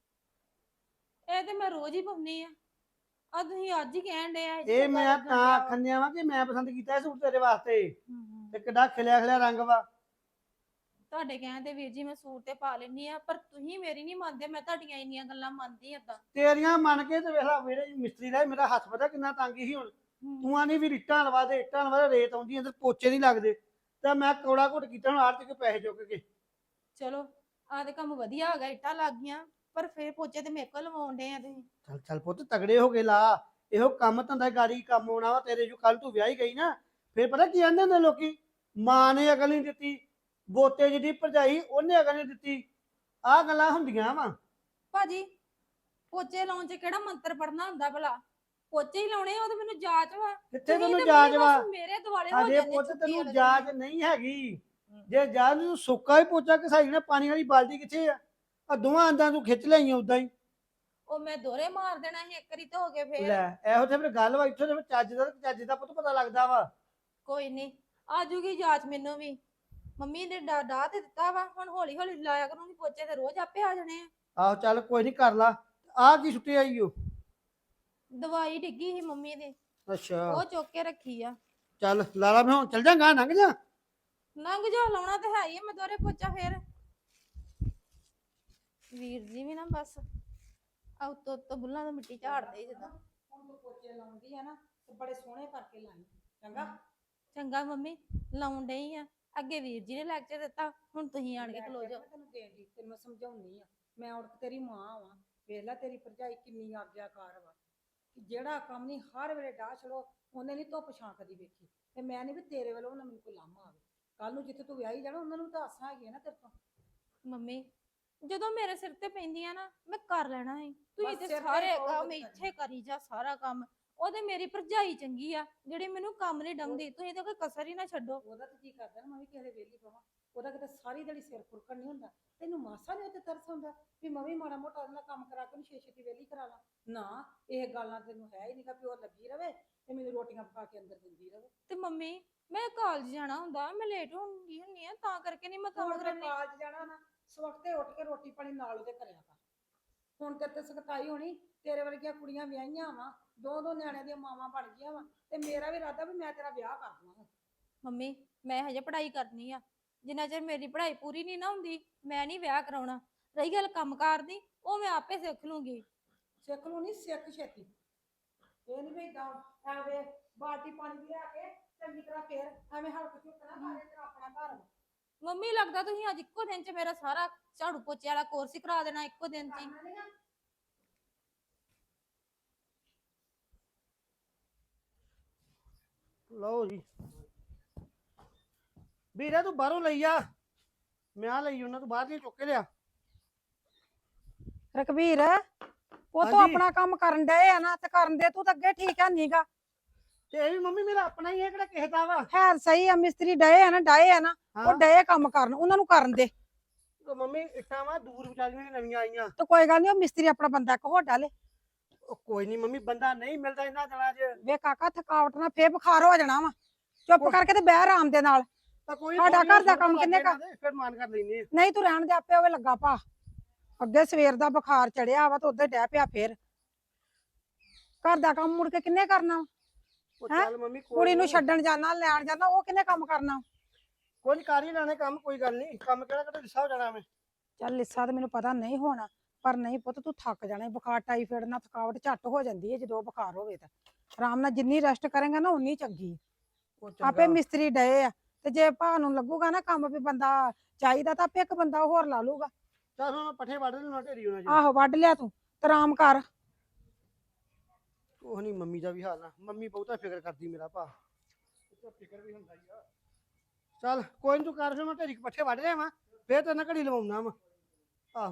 B: ਇਹ ਤੇ ਮੈਂ ਰੋਜ਼ ਹੀ ਪਾਉਣੀ ਆ, ਆ ਤੁਸੀਂ ਅੱਜ ਹੀ ਕਹਿਣ ਡਏ ਆ
D: ਇਹ ਮੈਂ ਤਾਂ ਆਖਣ ਦਿਆ ਵਾਂ ਕਿ ਮੈਂ ਪਸੰਦ ਕੀਤਾ ਇਹ ਸੂਟ ਤੇਰੇ ਵਾਸਤੇ ਤੇ ਕਿੱਡਾ ਖਿਲਿਆ ਖਿਲਿਆ ਰੰਗ ਵਾ।
B: ਤੁਹਾਡੇ ਕਹਿਣ ਤੇ ਵੀਰ ਜੀ ਮੈਂ ਸੂਟ ਤੇ ਪਾ ਲੈਣੀ ਆ, ਪਰ ਤੁਸੀਂ ਮੇਰੀ ਨਹੀਂ ਮੰਨਦੇ, ਮੈਂ ਤੁਹਾਡੀਆਂ ਇੰਨੀਆਂ ਗੱਲਾਂ ਮੰਨਦੀ ਏਦਾਂ।
D: ਤੇਰੀਆਂ ਮੰਨ ਕੇ ਤੇ ਵੇਖ ਲਾ ਵਿਹੜੇ ਮਿਸਤਰੀ ਦਾ ਮੇਰਾ ਹੱਥ ਪਤਾ ਕਿੰਨਾ ਤੰਗ ਸੀ। ਹੁਣ ਤੂੰ ਆਨੀ ਵੀ ਇੱਟਾਂ ਲਵਾ ਦੇ ਇੱਟਾਂ ਲਵਾ ਦੇ, ਰੇਤ ਆਉਂਦੀ ਅੰਦਰ ਪੋਚੇ ਨਹੀਂ ਲੱਗਦੇ, ਤਾਂ ਮੈਂ ਕੌੜਾ ਘੁੱਟ ਕੀਤਾ ਹੁਣ ਆੜਤ ਕੇ ਪੈਸੇ ਚੁੱਕ ਕੇ।
B: ਚਲੋ ਆਹ ਤੇ ਕੰਮ ਵਧੀਆ ਹੋ ਗਿਆ, ਇੱਟਾਂ ਲੱਗ ਗਈਆਂ, ਪਰ ਫੇਰ ਪੋਚੇ ਤੇ ਮੇਰੇ ਕੋਲ ਲਵਾਉਣ ਡੇ ਆ ਤੁਸੀਂ।
D: ਚੱਲ ਚੱਲ ਪੁੱਤ ਤਗੜੇ ਹੋ ਕੇ ਲਾ, ਇਹੋ ਕੰਮ ਧੰਦਾ ਗਾੜੀ ਕੰਮ ਆਉਣਾ ਵਾ ਤੇਰੇ। ਜੋ ਕੱਲ ਤੂੰ ਵਿਆਹੀ ਗਈ ਨਾ ਫੇਰ ਪਤਾ ਕੀ ਕਹਿੰਦੇ ਹੁੰਦੇ ਲੋਕੀ, ਮਾਂ ਨੇ ਅਕਲ ਨਹੀਂ ਦਿੱਤੀ, ਬੋਤੇ ਜਿਹਦੀ ਭਰਜਾਈ ਉਹਨੇ ਅਕਲ ਨਹੀਂ ਦਿੱਤੀ। ਆਹ ਗੱਲਾਂ ਹੁੰਦੀਆਂ ਵਾ।
B: ਭਾਜੀ ਪੋਚੇ ਲਾਉਣ ਚ ਕਿਹੜਾ ਮੰਤਰ ਪੜਨਾ ਹੁੰਦਾ ਭਲਾ? ਪੋਚੇ ਹੀ ਲਾਉਣੇ ਆ, ਉਹ ਤਾਂ ਮੈਨੂੰ ਜਾਚ ਵਾ।
D: ਕਿੱਥੇ
B: ਤੁਸੀਂ
D: ਤੈਨੂੰ
B: ਤੇ
D: ਜਾਚ
B: ਮੰਮੀ
D: ਵਾ?
B: ਬਸ ਮੇਰੇ ਦੁਆਲੇ ਹੋ
D: ਅਜੇ
B: ਜਾਂਦੇ
D: ਪੁੱਤ
B: ਛੁੱਟੀ
D: ਤੈਨੂੰ
B: ਵਾਲੇ
D: ਜਾਚ
B: ਦਿਨ।
D: ਨਹੀਂ ਹੈਗੀ। ਜੇ ਜਾਚ ਨੂੰ ਸੁੱਕਾ ਹੀ ਪੋਚਾ ਘਸਾਈ ਨਾ, ਪਾਣੀ ਵਾਲੀ ਬਾਲਟੀ ਕਿੱਥੇ ਆ? ਆ ਦੋਵਾਂ ਅੰਦਾਂ ਤੂੰ ਖਿੱਚ ਲਈਆਂ ਉਦਾਂ ਹੀ।
B: ਉਹ ਮੈਂ ਦੋਰੇ ਮਾਰ ਦੇਣਾ ਸੀ ਇੱਕ ਵਾਰੀ ਤੇ ਹੋ ਗਏ ਫੇਰ।
D: ਲੈ ਇਹੋ ਤੇ ਫਿਰ ਗੱਲ ਵਾ, ਇੱਥੋਂ ਤੇ ਫਿਰ ਚੱਜ ਦਾ ਚੱਜ ਦਾ ਪੁੱਤ ਪਤਾ ਲੱਗਦਾ ਵਾ।
B: ਕੋਈ ਨਹੀਂ ਆ ਜੂਗੀ ਜਾਚ ਮੈਨੂੰ ਵੀ। ਮੰਮੀ ਨੇ ਡਾ ਡਾ ਤੇ ਦਿੱਤਾ ਵਾ, ਹੁਣ ਹੌਲੀ ਹੌਲੀ ਲਾਇਆ ਕਰੂੰਗੀ ਪੋਚੇ, ਤੇ ਰੋਜ਼ ਆਪੇ ਆ ਜਾਣੇ ਆ।
D: ਆਹੋ ਚੱਲ ਕੋਈ ਨਹੀਂ ਕਰ ਲਾ। ਆਹ ਕੀ ਛੁੱਟੀ ਆਈ ਓ?
B: ਦਵਾਈ ਡਿੱਗੀ ਸੀ ਮੰਮੀ ਦੇ,
D: ਅੱਛਾ
B: ਉਹ ਚੁੱਕ ਕੇ ਰੱਖੀ ਆ।
D: ਚੱਲ ਲਾਲਾ ਮੈਂ ਹੁਣ ਚੱਲ ਜਾਂਗਾ, ਲੰਘ ਜਾ।
B: ਲੰਘ ਜਾ, ਲਾਉਣਾ ਤੇ ਹੈ ਹੀ ਆ ਮੈਂ ਦੋਰੇ ਪੋਚਾ ਫੇਰ। ਵੀਰ ਜੀ ਵੀ ਨਾ ਬਸ ਆ ਉੱਤੋਂ ਉੱਤੋਂ ਬੁੱਲਾਂ ਤੋਂ ਮਿੱਟੀ ਝਾੜਦੇ ਜਿੱਦਾਂ।
A: ਹੁਣ ਤੂੰ ਪੋਚੇ ਲਾਉਂਦੀ ਆ ਨਾ ਤੇ ਬੜੇ ਸੋਹਣੇ ਕਰਕੇ ਲਾਈ ਚੰਗਾ।
B: ਚੰਗਾ ਮੰਮੀ, ਲਾਉਣ ਡਈ ਆ। ਅੱਗੇ ਵੀਰ ਜੀ ਨੇ ਲੈਕਚਰ ਦਿੱਤਾ, ਹੁਣ ਤੁਸੀਂ ਆਣ ਕੇ ਖਲੋ ਜਾਓ।
A: ਮੈਂ ਤੈਨੂੰ ਦੇਣ ਦੀ ਤੈਨੂੰ ਮੈਂ ਸਮਝਾਉਣੀ ਆ, ਮੈਂ ਔਰਤ ਤੇਰੀ ਮਾਂ ਵਾਂ। ਵੇਖ ਲੈ ਤੇਰੀ ਭਰਜਾਈ ਕਿੰਨੀ ਆਗਿਆਕਾਰ ਵਾ, ਕਿ ਜਿਹੜਾ ਕੰਮ ਨਹੀਂ ਹਰ ਵੇਲੇ ਡਾਹ ਛੜੋ, ਉਹਨੇ ਨਹੀਂ ਧੁੱਪ ਛਾਂ ਕਦੀ ਵੇਖੀ। ਤੇ ਮੈਂ ਨਹੀਂ ਵੀ ਤੇਰੇ ਵੱਲੋਂ ਨਾ ਮੈਨੂੰ ਕੋਈ ਲਾਮਾ ਆਵੇ। ਕੱਲ ਨੂੰ ਜਿੱਥੇ ਤੂੰ ਵਿਆਹੀ ਜਾਣਾ ਉਹਨਾਂ ਨੂੰ ਤਾਂ ਆਸਾਂ ਹੈਗੀਆਂ ਨਾ ਤੇਰੇ ਤੋਂ।
B: ਮੰਮੀ ਜਦੋਂ ਮੇਰੇ ਸਿਰ ਤੇ ਪੈਂਦੀਆਂ ਨਾ ਮੈਂ ਕਰ ਲੈਣਾ ਹੈ। ਤੁਸੀਂ
A: ਬਸ
B: ਤੇ
A: ਸਿਰ ਤੇ
B: ਸਾਰੇ
A: ਬਹੁਤ
B: ਕੰਮ
A: ਵਧੀਆ
B: ਇੱਥੇ ਕਰੀ ਜਾ, ਸਾਰਾ ਕੰਮ। ਉਹਦੇ ਮੇਰੀ ਭਰਜਾਈ ਚੰਗੀ ਆ ਜਿਹੜੀ ਮੈਨੂੰ ਕੰਮ ਨਹੀਂ ਡੰਗਦੀ, ਤੁਸੀਂ ਤਾਂ ਕੋਈ ਕਸਰ ਹੀ ਨਾ ਛੱਡੋ।
A: ਉਹਦਾ ਤਾਂ ਜੀ ਕਰਦਾ ਨਾ ਮੈਂ ਵੀ ਕਿਸੇ ਦੇ ਵਿਹਲੀ ਪਵਾਂ, ਉਹਦਾ ਕਿਤੇ ਸਾਰੀ ਦਿਹਾੜੀ ਸਿਰ ਖੁਰਕਣ ਨਹੀਂ ਹੁੰਦਾ। ਤੈਨੂੰ ਮਾਸਾ ਨਹੀਂ ਉੱਤੇ ਤਰਸ ਹੁੰਦਾ ਵੀ ਮੈਂ ਵੀ ਮਾੜਾ ਮੋਟਾ ਉਹਦੇ ਨਾਲ ਕੰਮ ਕਰਾ ਕੇ ਉਹਨੂੰ ਛੇ ਛੇਤੀ ਵਿਹਲੀ ਕਰਾ ਲਾਂ? ਨਾ, ਇਹ ਗੱਲਾਂ ਤੈਨੂੰ ਹੈ ਹੀ ਨਹੀਂਗਾ ਵੀ ਉਹ ਲੱਗੀ ਰਵੇ ਤੇ ਮੈਨੂੰ ਰੋਟੀਆਂ ਪਕਾ ਕੇ ਅੰਦਰ ਦਿੰਦੀ ਰਵੇ।
B: ਤੇ ਮੰਮੀ ਮੈਂ ਕਾਲਜ ਜਾਣਾ ਹੁੰਦਾ, ਮੈਂ ਲੇਟ ਹੁੰਦੀ ਹੁੰਨੀ ਆ, ਤਾਂ ਕਰਕੇ ਨਹੀਂ ਮੈਂ ਕੰਮ
A: ਹੁਣ ਮੈਂ
B: ਕਰਨੀ।
A: ਕਾਲਜ ਜਾਣਾ ਨਾ, ਸਵਖਤੇ ਉੱਠ ਕੇ ਰੋਟੀ ਪਾਣੀ ਨਾਲ ਉਹਦੇ ਕਰਿਆ ਕਰ। ਹੁਣ ਤੇ ਤੇ ਸਖਤਾਈ ਹੋਣੀ, ਤੇਰੇ ਵਰਗੀਆਂ ਕੁੜੀਆਂ ਵਿਆਹੀਆਂ ਵਾ, ਦੋ ਦੋ ਨਿਆਣਿਆਂ ਦੀਆਂ ਮਾਵਾਂ ਬਣ ਗਈਆਂ ਵਾ, ਤੇ ਮੇਰਾ ਵੀ ਇਰਾਦਾ ਵੀ ਮੈਂ ਤੇਰਾ ਵਿਆਹ ਕਰ ਦਵਾਂ।
B: ਮੰਮੀ ਮੈਂ ਹਜੇ ਪੜ੍ਹਾਈ ਕਰਨੀ ਆ, ਜਿੰਨਾ ਚਿਰ ਮੇਰੀ ਪੜ੍ਹਾਈ ਪੂਰੀ ਨਹੀਂ ਨਾ ਹੁੰਦੀ ਮੈਂ ਨਹੀਂ ਵਿਆਹ ਕਰਾਉਣਾ। ਰਹੀ ਗੱਲ ਕੰਮਕਾਰ ਦੀ, ਉਹ ਮੈਂ ਆਪੇ ਸਿੱਖ ਲੂੰਗੀ।
A: ਸਿੱਖ ਲੂ ਨਹੀਂ, ਸਿੱਖ ਛੇਤੀ। ਇਹ ਨਹੀਂ ਵੀ ਏਦਾਂ ਐਵੇਂ ਬਾਲਟੀ ਪਾਣੀ ਦੀ ਲਿਆ ਕੇ ਚੰਗੀ ਤਰ੍ਹਾਂ ਫੇਰ ਐਵੇਂ ਹਲਕ ਝੁਕਣਾ ਸਾਰੇ ਤੇਰਾ ਆਪਣਾ ਘਰ ਵਾ।
B: ਮੰਮੀ ਲੱਗਦਾ ਤੁਸੀਂ ਅੱਜ ਇੱਕੋ ਦਿਨ ਚ ਮੇਰਾ ਸਾਰਾ ਝਾੜੂ ਪੋਚੇ ਵਾਲਾ ਕੋਰਸ ਹੀ ਕਰਾ ਦੇਣਾ ਇੱਕੋ ਦਿਨ ਚ ਹੀ।
A: ਕਰਨਾ ਨੀ ਨਾ।
D: ਲਓ ਜੀ ਵੀਰੇ ਤੂੰ ਬਾਹਰੋਂ ਲਈ ਆ, ਮੈਂ ਲਈ ਉਹਨਾਂ ਤੋਂ ਬਾਹਰ ਦੀ ਚੁੱਕ ਕੇ ਲਿਆ।
A: ਰਕਬੀਰ ਉਹ ਤਾਂ
D: ਹਾਂਜੀ।
A: ਆਪਣਾ ਕੰਮ ਕਰਨ ਡਏ ਆ ਨਾ, ਤੇ ਕਰਨ ਦੇ ਤੂੰ ਤਾਂ ਅੱਗੇ ਠੀਕ ਹੈ ਨੀਗਾ।
D: ਤੇ ਇਹ ਵੀ ਮੰਮੀ ਮੇਰਾ ਆਪਣਾ ਹੀ ਹੈ, ਕਿਹੜਾ ਕਿਸੇ ਦਾ ਵਾ।
A: ਹੈ ਸਹੀ ਆ, ਮਿਸਤਰੀ ਡਏ ਆ ਨਾ ਡਏ ਆ ਨਾ, ਉਹ
D: ਹਾਂ
A: ਡਏ ਕੰਮ ਕਰਨ, ਉਹਨਾਂ ਨੂੰ ਕਰਨ ਦੇ।
D: ਤੇ ਮੰਮੀ ਇੱਟਾਂ ਵਾ ਦੂਰ ਵਿਚਾਰੀਆਂ ਨੀ ਨਵੀਆਂ ਆਈਆਂ।
A: ਤੇ ਕੋਈ ਗੱਲ ਨਹੀਂ, ਉਹ ਮਿਸਤਰੀ ਆਪਣਾ ਬੰਦਾ ਇੱਕ ਹੋਰ ਡਾਲੇ।
D: ਉਹ ਕੋਈ ਨਹੀਂ ਮੰਮੀ, ਬੰਦਾ ਨਹੀਂ ਮਿਲਦਾ ਇਹਨਾਂ ਦਿਨਾਂ 'ਚ।
A: ਵੇ ਕਾਕਾ ਥਕਾਵਟ ਨਾਲ ਫੇਰ ਬੁਖਾਰ ਹੋ ਜਾਣਾ ਵਾ, ਚੁੱਪ
D: ਕੋਈ-
A: ਕਰਕੇ ਤੇ ਬਹਿ ਆਰਾਮ ਦੇ ਨਾਲ।
D: ਤਾਂ ਕੋਈ
A: ਸਾਡਾ ਘਰ ਦਾ ਕੰਮ ਕਿੰਨੇ ਕਰ-
D: ਫਿਰ ਮਾਨ ਕਰ ਲੈਨੇ ਆ।
A: ਨਹੀਂ ਤੂੰ ਰਹਿਣ ਦੇ, ਆਪੇ ਹੋਵੇ ਲੱਗਾ ਭਾ। ਅੱਗੇ ਸਵੇਰ ਦਾ ਬੁਖਾਰ ਚੜਿਆ ਵਾ ਤੇ ਉਧਰ ਡਹਿ ਪਿਆ ਫੇਰ। ਘਰ ਦਾ ਕੰਮ ਮੁੜ ਕੇ ਕਿੰਨੇ ਕਰਨਾ ਵਾ?
D: ਉਹ
A: ਹੈਂ?
D: ਚੱਲ ਮੰਮੀ ਕੋਈ
A: ਕੁੜੀ ਨੂੰ
D: ਨੀ।
A: ਛੱਡਣ ਜਾਣਾ, ਲੈਣ ਜਾਣਾ, ਉਹ ਕਿੰਨੇ ਕੰਮ ਕਰਨਾ?
D: ਕੋਈ ਨੀ, ਕਰ ਹੀ ਲੈਣੇ ਕੰਮ, ਕੋਈ ਗੱਲ ਨਹੀਂ। ਕੰਮ ਕਿਹੜਾ ਕਿਹੜਾ ਲਿਸਾ ਹੋ ਜਾਣਾ ਮੈਂ।
A: ਚੱਲ ਲਿੱਸਾ ਤੇ ਮੈਨੂੰ ਪਤਾ ਨਹੀਂ ਹੋਣਾ, ਪਰ ਨਹੀਂ ਪੁੱਤ ਤੂੰ ਥੱਕ ਜਾਣਾ ਈ। ਬੁਖਾਰ ਟਾਈਫਾਇਡ ਨਾਲ ਥਕਾਵਟ ਝੱਟ ਹੋ ਜਾਂਦੀ ਹੈ ਜਦੋਂ ਬੁਖਾਰ ਹੋਵੇ ਤਾਂ। ਆਰਾਮ ਨਾਲ ਜਿੰਨੀ ਰੈਸਟ ਕਰੇਗਾ ਨਾ ਉਨੀ ਚੰਗੀ।
D: ਉਹ
A: ਆਪੇ
D: ਚੰਗਾ।
A: ਮਿਸਤਰੀ ਡਏ ਆ, ਤੇ ਜੇ ਭਾ ਨੂੰ ਲੱਗੂਗਾ ਨਾ ਕੰਮ ਵੀ ਬੰਦਾ ਚਾਹੀਦਾ ਤਾਂ ਆਪੇ ਇੱਕ ਬੰਦਾ ਹੋਰ ਲਾ ਲੂਗਾ।
D: ਚੱਲ ਹੁਣ ਪੱਠੇ ਵੱਢ ਲੈਣਾ ਢੇਰੀ ਹੋਣਾ ਜੀ।
A: ਆਹੋ ਵੱਢ ਲਿਆ ਤੂੰ ਤੇ ਆਰਾਮ ਕਰ।
D: ਉਹ ਨਹੀਂ ਮੰਮੀ ਦਾ ਵੀ ਹਾਲ ਆ, ਮੰਮੀ ਬਹੁਤਾ ਫਿਕਰ ਕਰਦੀ ਮੇਰਾ ਭਾ। ਉਹਦਾ ਫਿਕਰ ਵੀ ਹੁੰਦਾ ਹੀ ਆ। ਚੱਲ ਕੋਈ ਨੀ, ਤੂੰ ਕਰ, ਫਿਰ ਮੈਂ ਢੇਰੀ ਪੱਠੇ ਵੱਢ ਲਿਆਵਾਂ, ਫੇਰ ਤੇਰੇ ਨਾਲ ਘੜੀ ਲਵਾਉਣਾ ਵਾ। ਆਹੋ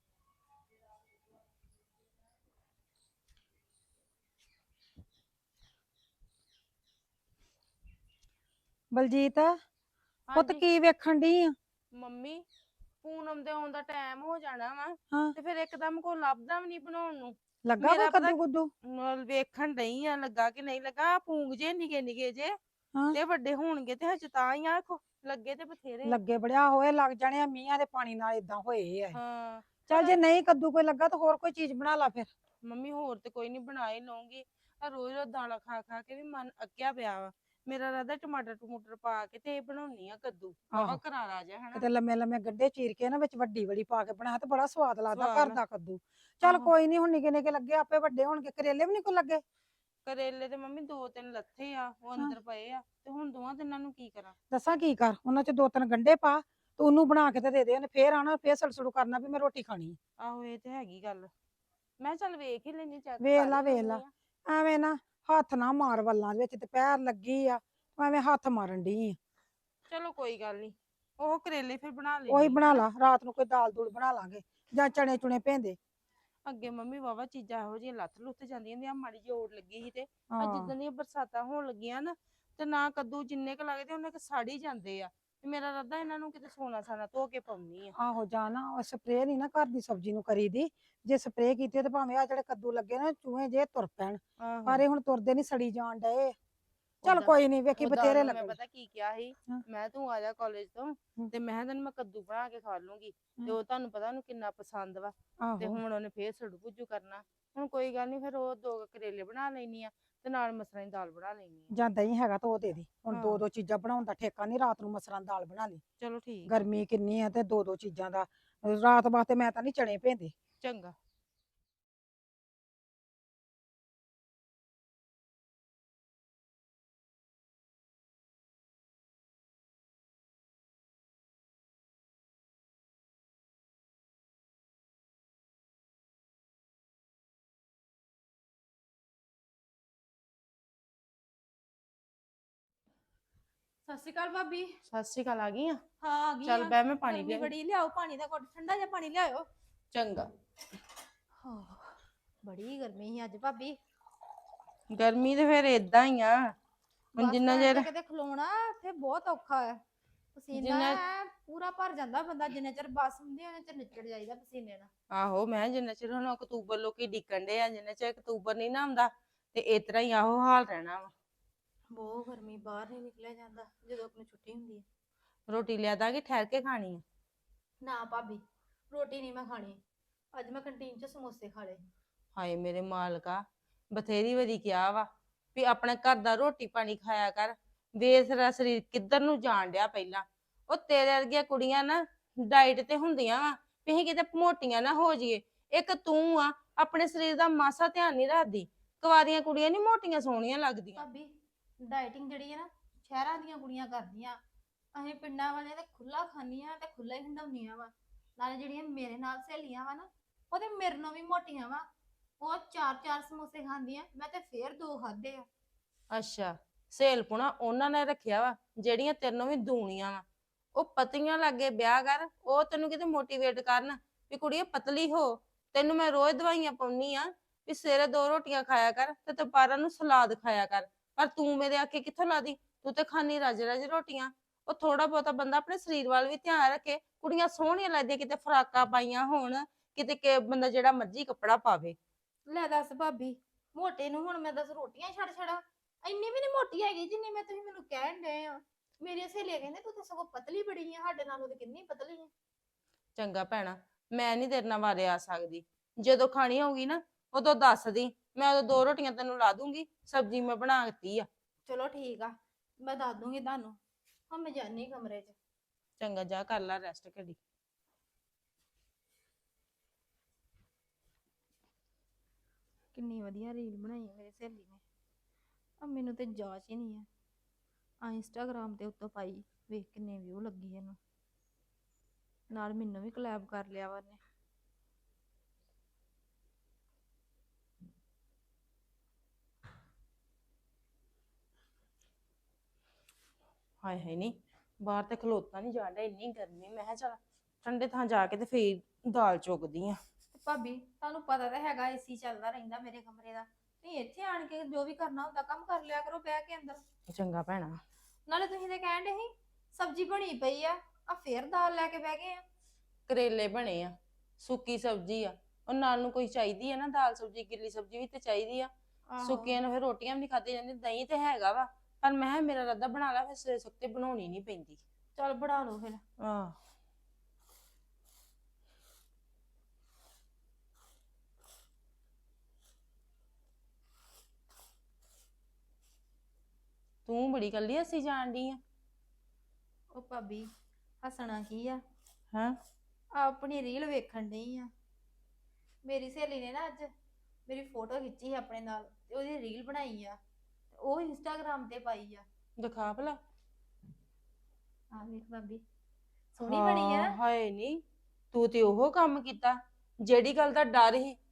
A: ਬਲਜੀਤ ਪੁੱਤ
C: ਹਾਂਜੀ
A: ਕੀ ਵੇਖਣ ਡਈ ਆ?
C: ਮੰਮੀ, ਪੂਨਮ ਦੇ ਆਉਣ ਦਾ ਟਾਈਮ ਹੋ ਜਾਣਾ ਵਾ
A: ਹਾਂ।
C: ਤੇ ਫਿਰ ਇੱਕਦਮ ਕੋ ਲੱਭਦਾ ਵੀ ਨਹੀਂ ਬਣਾਉਣ ਨੂੰ।
A: ਲੱਗਾ
C: ਮੇਰਾ
A: ਕੋਈ
C: ਪਤਾ-
A: ਕੱਦੂ ਕੁੱਦੂ?
C: ਨਾਲ ਵੇਖਣ ਡਈ ਆ ਲੱਗਾ ਕਿ ਨਹੀਂ ਲੱਗਾ। ਪੂੰਗ ਜੇ ਨਿਕੇ ਨਿਕੇ ਜੇ
A: ਹਾਂ।
C: ਤੇ ਵੱਡੇ ਹੋਣਗੇ ਤੇ ਹਜੇ ਤਾਂ ਹੀ ਆ ਆਖੋ ਲੱਗੇ ਤੇ ਬਥੇਰੇ ਆ।
A: ਲੱਗੇ ਬੜਿਆ ਹੋਏ ਲੱਗ ਜਾਣੇ ਆ, ਮੀਂਹਾਂ ਦੇ ਪਾਣੀ ਨਾਲ ਇਦਾਂ ਹੋਏ ਆ ਇਹ।
C: ਹਾਂ
A: ਚੱਲ ਜੇ ਨਹੀਂ ਕੱਦੂ ਕੋਈ ਲੱਗਾ ਤਾਂ ਹੋਰ ਕੋਈ ਚੀਜ਼ ਬਣਾ ਲਾ ਫਿਰ।
C: ਮੰਮੀ ਹੋਰ ਤੇ ਕੋਈ ਨਹੀਂ, ਬਣਾ ਹੀ ਲਊਂਗੀ। ਆ ਰੋਜ਼ ਰੋਜ਼ ਦਾਲਾਂ ਖਾ ਖਾ ਕੇ ਵੀ ਮਨ ਅੱਕਿਆ ਪਿਆ ਵਾ। ਮੇਰਾ ਰਾਦਾ ਟਮਾਟਰ ਟਮੂਟਰ ਪਾ ਕੇ ਤੇ ਇਹ ਬਣਾਉਣੀ ਆ ਕੱਦੂ, ਬਾਬਾ
A: ਆਹੋ।
C: ਕਰਾਰਾ ਜਿਹਾ ਹਨਾ।
A: ਕਿਤੇ ਲੰਮੇ ਲੰਮੇ ਗੱਡੇ ਚੀਰ ਕੇ ਨਾ ਵਿੱਚ ਵੱਡੀ ਵੜੀ ਪਾ ਕੇ ਬਣਾ ਤੇ ਬੜਾ ਸਵਾਦ ਲੱਗਦਾ
C: ਸਵਾਦ
A: ਘਰ ਦਾ ਕੱਦੂ। ਚੱਲ
C: ਆਹੋ।
A: ਕੋਈ ਨਹੀਂ, ਹੁਣ ਨਿੱਕੇ ਨਿੱਕੇ ਲੱਗੇ ਆਪੇ ਵੱਡੇ ਹੋਣਗੇ। ਕਰੇਲੇ ਵੀ ਨਹੀਂ ਕੋਈ ਲੱਗੇ?
C: ਕਰੇਲੇ ਤੇ ਮੰਮੀ ਦੋ ਤਿੰਨ ਲੱਥੇ ਆ, ਉਹ ਅੰਦਰ ਪਏ ਆ ਤੇ ਹੁਣ ਦੋਵਾਂ ਤਿੰਨਾਂ ਨੂੰ ਕੀ ਕਰਾਂ।
A: ਦੱਸਾਂ ਕੀ ਕਰ, ਉਹਨਾਂ ਚ ਦੋ ਤਿੰਨ ਗੰਡੇ ਪਾ ਤੇ ਉਹਨੂੰ ਬਣਾ ਕੇ ਤੇ ਦੇ ਦੇ। ਉਹਨੇ ਫੇਰ ਆਣਾ, ਫੇਰ ਸੜਸੜੂ ਕਰਨਾ ਵੀ ਮੈਂ ਰੋਟੀ ਖਾਣੀ ਆ।
C: ਆਹੋ ਇਹ ਤੇ ਹੈਗੀ ਗੱਲ। ਮੈਂ ਕਿਹਾ ਚੱਲ ਵੇਖ ਹੀ ਲੈਣੀ, ਚੈੱਕ
A: ਵੇਖ
C: ਕਰ
A: ਲਾ
C: ਹੀ
A: ਵੇਖ
C: ਲੈਂਦੀ
A: ਲਾ,
C: ਆ।
A: ਐਵੇਂ ਨਾ ਹੱਥ ਨਾ ਮਾਰ ਵੱਲਾਂ ਦੇ ਵਿੱਚ, ਤੇ ਪੈਰ ਲੱਗੀ ਆ ਐਵੇਂ ਹੱਥ ਮਾਰਨ ਡਈ ਆ।
C: ਚਲੋ ਕੋਈ ਗੱਲ ਨਹੀਂ, ਉਹ ਕਰੇਲੇ ਫਿਰ ਬਣਾ
A: ਉਹੀ
C: ਲੈਣੀ।
A: ਬਣਾ ਲਾ, ਰਾਤ ਨੂੰ ਕੋਈ ਦਾਲ ਦੂਲ ਬਣਾ ਲਾਂਗੇ ਜਾਂ ਚਣੇ ਚੁਣੇ ਭੇਂਦੇ।
C: ਅੱਗੇ ਮੰਮੀ ਵਾਵਾ ਚੀਜ਼ਾਂ ਇਹੋ ਜਿਹੀਆਂ ਲੱਥ ਲੁੱਥ ਜਾਂਦੀਆਂ ਹੁੰਦੀਆਂ, ਮਾੜੀ ਜਿਹੀ ਓੜ ਲੱਗੀ ਸੀ ਤੇ ਆ
A: ਹਾਂ
C: ਜਿੱਦਾਂ ਦੀਆਂ ਬਰਸਾਤਾਂ ਹੋਣ ਲੱਗੀਆਂ ਨਾ ਤੇ ਨਾ ਕੱਦੂ ਜਿੰਨੇ ਕ ਲੱਗਦੇ ਉਹਨੇ ਕ ਸੜ ਹੀ ਜਾਂਦੇ ਆ। ਤੇ ਮੇਰਾ ਰੱਦਾ ਇਹਨਾਂ ਨੂੰ ਕਿਤੇ ਸੋਨਾ ਸਾਨਾ ਧੋ ਕੇ ਪਾਉਣੀ ਆ।
A: ਆਹੋ ਜਾ ਨਾ, ਉਹ ਸਪਰੇਅ ਨਹੀਂ ਨਾ ਘਰ ਦੀ ਸਬਜ਼ੀ ਨੂੰ ਕਰੀਦੀ। ਜੇ ਸਪਰੇਅ ਕੀਤੀ ਤੇ ਭਾਵੇਂ ਆ ਜਿਹੜੇ ਕੱਦੂ ਲੱਗੇ ਨਾ ਚੂਹੇ ਜੇ ਤੁਰ ਪੈਣ, ਪਰ ਇਹ ਹੁਣ ਤੁਰਦੇ ਨਹੀਂ, ਸੜੀ ਜਾਣ ਡਏ। ਚੱਲ
C: ਓਦਾਂ-
A: ਕੋਈ ਨਹੀਂ, ਵੇਖੀ
C: ਉਦਾਂ
A: ਬਥੇਰੇ
C: ਉਹਨੂੰ ਮੈਂ
A: ਲੱਗਣ।
C: ਪਤਾ ਕੀ ਕਿਹਾ ਸੀ,
A: ਹਾਂ।
C: ਮੈਂ ਤੂੰ ਆ ਜਾ ਕਾਲਜ ਤੋਂ
A: ਹਮ।
C: ਤੇ ਮੈਂ ਕਿਹਾ ਤੈਨੂੰ ਮੈਂ ਕੱਦੂ ਬਣਾ ਕੇ ਖਾ ਲੂੰਗੀ ਤੇ
A: ਹਮ।
C: ਉਹ ਤੁਹਾਨੂੰ ਪਤਾ ਉਹਨੂੰ ਕਿੰਨਾ ਪਸੰਦ ਵਾ। ਤੇ
A: ਆਹੋ
C: ਹੁਣ ਉਹਨੇ ਫੇਰ ਸੜੂ ਭੁੱਜੂ ਕਰਨਾ। ਹੁਣ ਕੋਈ ਗੱਲ ਨਹੀਂ, ਫਿਰ ਉਹ ਦੋ ਕੁ ਕਰੇਲੇ ਬਣਾ ਲੈਣੀ ਆ ਤੇ ਨਾਲ ਮਸਰਾਂ ਦੀ ਦਾਲ ਬਣਾ ਲੈਣੀ ਆ।
A: ਜਾਂ ਦਹੀਂ ਹੈਗਾ ਤਾਂ ਉਹ ਦੇ ਦੇ। ਹੁਣ ਦੋ
C: ਹਾਂ।
A: ਦੋ ਚੀਜ਼ਾਂ ਬਣਾਉਣ ਦਾ ਠੇਕਾ ਨਹੀਂ, ਰਾਤ ਨੂੰ ਮਸਰਾਂ ਦੀ ਦਾਲ ਬਣਾ ਲਈ।
C: ਚਲੋ ਠੀਕ ਆ,
A: ਗਰਮੀ ਕਿੰਨੀ ਆ ਤੇ ਦੋ ਦੋ ਚੀਜ਼ਾਂ ਦਾ ਰਾਤ ਵਾਸਤੇ ਮੈਂ ਤਾਂ ਨਹੀਂ ਚਣੇ ਭੇਂਦੇ।
C: ਚੰਗਾ।
B: ਸਤਿ ਸ਼੍ਰੀ ਅਕਾਲ ਭਾਬੀ।
C: ਸਤਿ ਸ਼੍ਰੀ ਅਕਾਲ, ਆ ਗਈ ਆ।
B: ਹਾਂ ਆ ਗਈ
C: ਚੱਲ
B: ਆ।
C: ਬਹਿ, ਮੈਂ ਪਾਣੀ
B: ਗਰਮੀ
C: ਲਿਆ।
B: ਬੜੀ, ਲਿਆਓ ਪਾਣੀ ਦਾ ਘੁੱਟ, ਠੰਡਾ ਜਿਹਾ ਪਾਣੀ ਲਿਆਓ।
C: ਚੰਗਾ।
B: ਹਾਂ ਬੜੀ ਗਰਮੀ ਸੀ ਅੱਜ ਭਾਬੀ।
C: ਗਰਮੀ ਤੇ ਫਿਰ ਏਦਾਂ ਹੀ ਆ। ਹੁਣ
B: ਬੱਸ
C: ਜਿੰਨਾ
B: ਸਟੈਂਡ
C: ਚਿਰ
B: ਤੇ ਕਿਤੇ ਖਲੋਣਾ ਇੱਥੇ ਬਹੁਤ ਔਖਾ ਹੈ। ਪਸੀਨਾ
C: ਜਿੰਨਾ-
B: ਐਂ ਪੂਰਾ ਭਰ ਜਾਂਦਾ ਬੰਦਾ, ਜਿੰਨੇ ਚਿਰ ਬੱਸ ਹੁੰਦੀ ਉਹਨੇ ਚਿਰ ਨਿਚੜ ਜਾਈਦਾ ਪਸੀਨੇ ਨਾਲ।
C: ਆਹੋ, ਮੈਂ ਜਿੰਨਾ ਚਿਰ ਹੁਣ ਅਕਤੂਬਰ ਲੋਕੀ ਡਿੱਕਣ ਦੇ ਆ, ਜਿੰਨਾ ਚਿਰ ਅਕਤੂਬਰ ਨਹੀਂ ਨਾ ਆਉਂਦਾ ਤੇ ਇਸ ਤਰ੍ਹਾਂ ਹੀ ਆਹੋ ਹਾਲ ਰਹਿਣਾ ਵਾ।
B: ਬਹੁਤ ਗਰਮੀ, ਬਾਹਰ ਨਹੀਂ ਨਿਕਲਿਆ ਜਾਂਦਾ ਜਦੋਂ ਆਪਣੀ ਛੁੱਟੀ ਹੁੰਦੀ ਹੈ।
C: ਰੋਟੀ ਲਿਆ ਦਾਂਗੇ, ਠਹਿਰ ਕੇ ਖਾਣੀ ਆ।
B: ਨਾ ਭਾਬੀ, ਰੋਟੀ ਨਹੀਂ ਮੈਂ ਖਾਣੀ। ਅੱਜ ਮੈਂ ਕੰਟੀਨ 'ਚ ਸਮੋਸੇ ਖਾ ਲਏ।
C: ਹਾਏ ਮੇਰੇ ਮਾਲਕਾ, ਬਥੇਰੀ ਵਾਰੀ ਕਿਹਾ ਵਾ ਵੀ ਆਪਣੇ ਘਰ ਦਾ ਰੋਟੀ ਪਾਣੀ ਖਾਇਆ ਕਰ। ਵੇਖ ਤੇਰਾ ਸਰੀਰ ਕਿੱਧਰ ਨੂੰ ਜਾਣ ਡਿਆ। ਪਹਿਲਾਂ ਉਹ ਤੇਰੇ ਵਰਗੀਆਂ ਕੁੜੀਆਂ ਨਾ ਡਾਈਟ ਤੇ ਹੁੰਦੀਆਂ ਵਾ ਵੀ ਅਸੀਂ ਕਿਤੇ ਮੋਟੀਆਂ ਨਾ ਹੋ ਜਾਈਏ। ਇੱਕ ਤੂੰ ਆ ਆਪਣੇ ਸਰੀਰ ਦਾ ਮਾਸਾ ਧਿਆਨ ਨਹੀਂ ਰੱਖਦੀ। ਕੁਆਰੀਆਂ ਕੁੜੀਆਂ ਨਹੀਂ ਮੋਟੀਆਂ ਸੋਹਣੀਆਂ ਲੱਗਦੀਆਂ।
B: ਭਾਬੀ ਡਾਈਟਿੰਗ ਜਿਹੜੀ ਹੈ ਨਾ ਸ਼ਹਿਰਾਂ ਦੀਆਂ ਕੁੜੀਆਂ ਕਰਦੀਆਂ, ਅਸੀਂ ਪਿੰਡਾਂ ਵਾਲਿਆਂ ਤੇ ਖੁੱਲਾ ਖਾਂਦੀਆਂ ਤੇ ਖੁੱਲਾ ਹੀ ਹੰਡਾਉਂਦੀਆਂ ਵਾ। ਨਾਲੇ ਜਿਹੜੀਆਂ ਮੇਰੇ ਨਾਲ ਸਹੇਲੀਆਂ ਵਾ ਨਾ, ਉਹ ਤੇ ਮੇਰੇ ਨਾਲੋਂ ਵੀ ਮੋਟੀਆਂ ਵਾ। ਉਹ ਚਾਰ ਚਾਰ ਸਮੋਸੇ ਖਾਂਦੀਆਂ, ਮੈਂ ਤੇ ਫੇਰ ਦੋ ਖਾਦੇ ਆ।
C: ਅੱਛਾ, ਸਹੇਲਪੁਣਾ ਉਹਨਾਂ ਨੇ ਰੱਖਿਆ ਵਾ ਜਿਹੜੀਆਂ ਤੈਨੂੰ ਵੀ ਦੂਣੀਆਂ ਵਾ। ਉਹ ਪਤੀਆਂ ਲਾਗੇ ਵਿਆਹ ਕਰ, ਉਹ ਤੈਨੂੰ ਕਿਤੇ ਮੋਟੀਵੇਟ ਕਰਨ ਵੀ ਕੁੜੀਏ ਪਤਲੀ ਹੋ। ਤੈਨੂੰ ਮੈਂ ਰੋਜ਼ ਦਵਾਈਆਂ ਪਾਉਣੀ ਆ ਵੀ ਸਵੇਰੇ ਦੋ ਰੋਟੀਆਂ ਖਾਇਆ ਕਰ ਤੇ ਦੁਪਹਿਰਾਂ ਨੂੰ ਸਲਾਦ ਖਾਇਆ ਕਰ। ਪਰ ਤੂੰ ਮੇਰੇ ਆਖੇ ਕਿੱਥੋਂ ਲਾਦੀ? ਤੂੰ ਤੇ ਖਾਣੀ ਰਜ ਰਜ ਰੋਟੀਆਂ। ਉਹ ਥੋੜਾ ਬਹੁਤਾ ਬੰਦਾ ਆਪਣੇ ਸਰੀਰ ਵੱਲ ਵੀ ਧਿਆਨ ਰੱਖੇ। ਕੁੜੀਆਂ ਸੋਹਣੀਆਂ ਲੱਗਦੀਆਂ, ਕਿਤੇ ਫਰਾਕਾਂ ਪਾਈਆਂ ਹੋਣ, ਕਿਤੇ ਕਿ ਬੰਦਾ ਜਿਹੜਾ ਮਰਜ਼ੀ ਕੱਪੜਾ ਪਾਵੇ।
B: ਲੈ ਦੱਸ ਭਾਬੀ, ਮੋਟੇ ਨੂੰ ਹੁਣ ਮੈਂ ਦੱਸ ਰੋਟੀਆਂ ਛੱਡ ਛੜਾ? ਇੰਨੀ ਵੀ ਨਹੀਂ ਮੋਟੀ ਹੈਗੀ ਜਿੰਨੀ ਮੈਂ ਤੁਸੀਂ ਮੈਨੂੰ ਕਹਿਣ ਡਏ ਆ। ਮੇਰੀਆਂ ਸਹੇਲੀਆਂ ਕਹਿੰਦੇ ਤੂੰ ਤਾਂ ਸਗੋਂ ਪਤਲੀ ਬੜੀ ਆ, ਸਾਡੇ ਨਾਲੋਂ ਤੇ ਕਿੰਨੀ ਪਤਲੀ ਆ।
C: ਚੰਗਾ ਭੈਣਾ, ਮੈਂ ਨਹੀਂ ਤੇਰੇ ਨਾਲ ਵਾਰੇ ਆ ਸਕਦੀ। ਜਦੋਂ ਖਾਣੀ ਹੋਊਗੀ ਨਾ ਉਦੋਂ ਦੱਸ ਦੀ, ਮੈਂ ਉਦੋਂ ਦੋ ਰੋਟੀਆਂ ਤੈਨੂੰ ਲਾ ਦੂੰਗੀ। ਸਬਜ਼ੀ ਮੈਂ ਬਣਾ ਦਿੱਤੀ ਆ।
B: ਚਲੋ ਠੀਕ ਆ, ਮੈਂ ਦੱਸ ਦੂੰਗੀ ਤੁਹਾਨੂੰ। ਹੁਣ ਮੈਂ ਜਾਨੀ ਕਮਰੇ 'ਚ।
C: ਚੰਗਾ, ਜਾ ਕਰ ਲੈ ਰੈਸਟ ਘੜੀ।
B: ਕਿੰਨੀ ਵਧੀਆ ਰੀਲ ਬਣਾਈ ਹੈ ਮੇਰੀ ਸਹੇਲੀ ਨੇ। ਆ ਮੈਨੂੰ ਤੇ ਜਾਚ ਹੀ ਨਹੀਂ ਆ। ਆ ਇੰਸਟਾਗ੍ਰਾਮ ਤੇ ਉੱਤੋਂ ਪਾਈ, ਵੇਖ ਕਿੰਨੇ ਵਿਊ ਲੱਗੀ ਇਹਨੂੰ। ਨਾਲ ਮੈਨੂੰ ਵੀ ਕੋਲੈਬ ਕਰ ਲਿਆ ਵਾ ਉਹਨੇ।
C: ਹਾਏ ਹਾਏ ਨਹੀਂ, ਬਾਹਰ ਤੇ ਖਲੋਤਾ ਨਹੀਂ ਜਾਂਦਾ, ਇੰਨੀ ਗਰਮੀ। ਮੈਂ ਕਿਹਾ ਚੱਲ ਠੰਡੇ ਥਾਂ ਜਾ ਕੇ ਤੇ ਫੇਰ ਦਾਲ ਚੁਗਦੀ ਆ।
B: ਤੇ ਭਾਬੀ ਤੁਹਾਨੂੰ ਪਤਾ ਤਾਂ ਹੈਗਾ ਏਸੀ ਚੱਲਦਾ ਰਹਿੰਦਾ ਮੇਰੇ ਕਮਰੇ ਦਾ। ਤੁਸੀਂ ਇੱਥੇ ਆਣ ਕੇ ਜੋ ਵੀ ਕਰਨਾ ਹੁੰਦਾ ਕੰਮ ਕਰ ਲਿਆ ਕਰੋ ਬਹਿ ਕੇ ਅੰਦਰ।
C: ਚੰਗਾ ਭੈਣਾ।
B: ਨਾਲੇ ਤੁਸੀਂ ਤੇ ਕਹਿਣ ਡੇ ਸੀ ਸਬਜ਼ੀ ਬਣੀ ਪਈ ਆ, ਆ ਫੇਰ ਦਾਲ ਲੈ ਕੇ ਬਹਿ ਗਏ ਆ।
C: ਕਰੇਲੇ ਬਣੇ ਆ, ਸੁੱਕੀ ਸਬਜ਼ੀ ਆ। ਉਹ ਨਾਲ ਨੂੰ ਕੋਈ ਚਾਹੀਦੀ ਆ ਨਾ, ਦਾਲ ਸਬਜ਼ੀ ਗਿੱਲੀ ਸਬਜ਼ੀ ਵੀ ਤੇ ਚਾਹੀਦੀ ਆ। ਸੁੱਕੀਆਂ ਨੂੰ ਫਿਰ ਰੋਟੀਆਂ ਵੀ ਨਹੀਂ ਖਾਧੀ ਜਾਂਦੀ। ਦਹੀਂ ਤੇ ਹੈਗਾ ਵਾ, ਪਰ ਮੈਂ ਕਿਹਾ ਮੇਰਾ ਰੱਦਾ ਬਣਾ ਲਾ, ਫਿਰ ਸਵੇਰੇ ਸੁੱਤੇ ਬਣਾਉਣੀ ਨਹੀਂ ਪੈਂਦੀ।
B: ਚਲ ਬਣਾ ਲਓ ਫਿਰ।
C: ਆਹ ਤੂੰ ਬੜੀ ਕੱਲੀ ਹੱਸੀ ਜਾਣ ਡਈ ਆ।
B: ਉਹ ਭਾਬੀ ਹੱਸਣਾ ਕੀ ਆ,
C: ਹਾਂ
B: ਆਪਣੀ ਰੀਲ ਵੇਖਣ ਡਈ ਆ। ਮੇਰੀ ਸਹੇਲੀ ਨੇ ਨਾ ਅੱਜ ਮੇਰੀ ਫੋਟੋ ਖਿੱਚੀ ਆਪਣੇ ਨਾਲ ਤੇ ਉਹਦੀ ਰੀਲ ਬਣਾਈ ਆ, ਤੇ ਉਹ ਇੰਸਟਾਗ੍ਰਾਮ ਤੇ ਪਾਈ ਆ।
C: ਦਿਖਾ ਭਲਾ।
B: ਆ ਵੇਖ ਭਾਬੀ, ਸੋਹਣੀ ਬਣੀ ਆ
C: ਹਾਂ,
B: ਨਾ।
C: ਹਾਏ ਨੀ, ਤੂੰ ਤੇ ਉਹ ਕੰਮ ਕੀਤਾ ਜਿਹੜੀ ਗੱਲ ਦਾ ਡਰ ਸੀ